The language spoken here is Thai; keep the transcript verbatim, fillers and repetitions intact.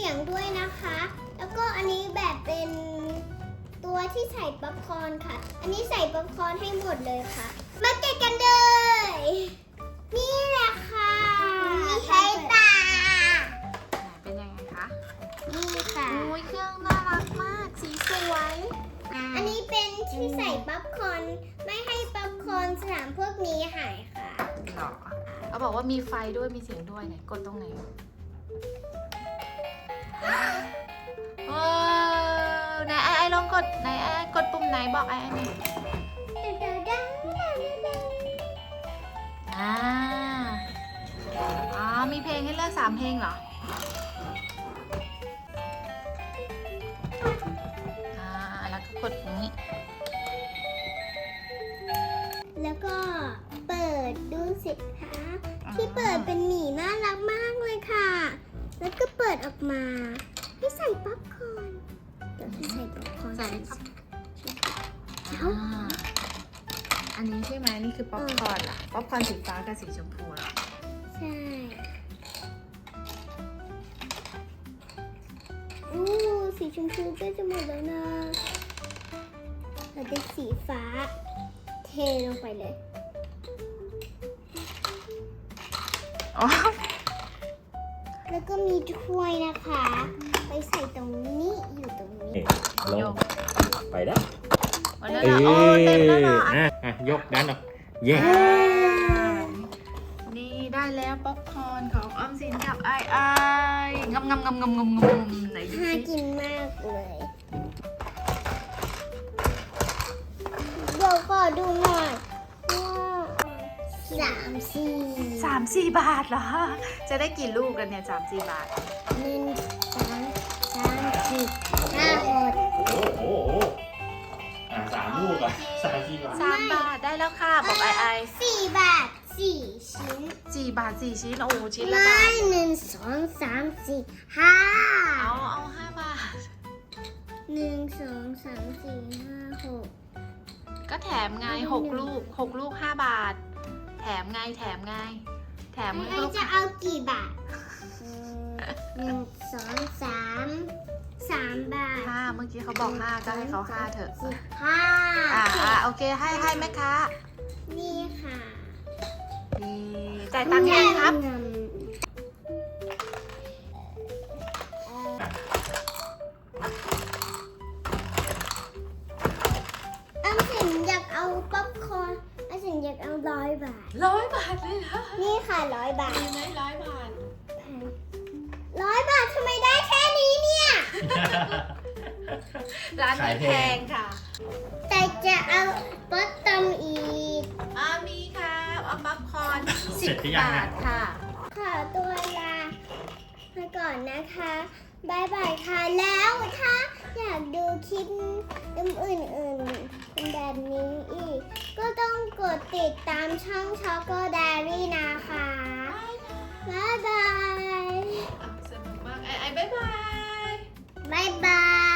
ยงด้วยนะคะ แล้วก็อันนี้แบบเป็นตัวที่ใส่ป๊อปคอร์นค่ะ อันนี้ใส่ป๊อปคอร์นให้หมดเลยค่ะ มาแกะกันเลยนี่แหละค่ะใช้ตาเป็นยังไงคะนี่ค่ะโอ้ยเครื่องน่ารักมาก สีสวยอันนี้เป็นที่ใส่ป๊อปคอร์นไม่ให้ป๊อปคอร์นสนามพวกนี้หายค่ะหรอเขาบอกว่ามีไฟด้วยมีเสียงด้วยไหนกดตรงไหนว้าวไหนไอไอลองกดไหนไอไอกดปุ่มไหนบอกไอไอหน่อยอ่าอ๋อมีเพลงให้เลือกสามเพลงเหรออ่าแล้วก็กดอย่างนี้แล้วก็เปิดดูสิคะที่เปิดเป็นหมีน่ารักมากเลยค่ะ แล้วก็เปิดออกมาให้ใส่ป๊อปคอร์นเดี๋ยวให้ใส่ป๊อปคอร์นใส่ครับเอ้าอ่าอันนี้ใช่ไหมนี่คือป๊อปคอร์นเหรอป๊อปคอร์นสีฟ้ากับสีชมพูเหรอใช่อู้สีชมพูก็จะหมดแล้วนะเราได้สีฟ้าเทลงไปเลยอ๋อแล้วก็มีถ้วยนะคะ ไปใส่ตรงนี้อยู่ตรงนี้นี่ลงไปได้วันนั้นเหรอโอ้เต็มแล้วเหรออ่ะอ่ะอ่ะยกด้านออกเย้นี่ได้แล้วป๊อปคอร์นของออมสินกับไอไองำงำงำงำงำงำไหนดูน่าสิกินมากเลยเดี๋ยวขอดูหน่อยว่าสามสี่สามสี่บาทเหรอ จะได้กี่ลูกกันเนี่ยสามสี่บาทหนึ่งสองสามสี่ห้าหกโอ้โหโอ้โหอ่ะสามลูกอ่ะสามสี่บาทสามบาทได้แล้วค่ะบอกไอไอสี่บาทสี่ชิ้นสี่บาทสี่ชิ้นโอ้ชิ้นละไม่บาทหนึ่งสองสามสี่ห้าเอาเอาห้าบาทหนึ่งสองสามสี่ห้าหกก็แถมไงหกลูกหกลูกห้าบาท แถมไงแถมไง แถมไอ้ลูกจะเอากี่บาทหนึ่งสองสามสามบาทห้าเมื่อกี้เขาบอกห้าก็ให้เขาห้าเถอะสิบห้าอ่าอ่าโอเคให้ให้แม่ค้านี่ค่ะดีจ่ายตังค์ยังครับเงินอันสินอยากเอาป๊อปคอร์นอันสินอยากเอาร้อยบาทร้อยบาทเลยเหรอนี่ค่ะร้อยบาทมีไหมร้อยบาทร้อยบาททำไมได้แค่นี้เนี่ยร้านนี้แพงค่ะแต่จะเอาป๊อปตอมอีกอ่ามีค่ะเอาป๊อปคอร์นเสสิร็บจหรือยังบาอ่ะทค่ะขอตัวลาไปก่อนนะคะบายบายค่ะ แล้วถ้าอยากดูคลิปอื่นๆเป็นแบบนี้อีก ก็ต้องกดติดตามช่องช็อกโกแดรี่นะคะบายบายสนุกมากไอไอบ๊ายบายบายบาย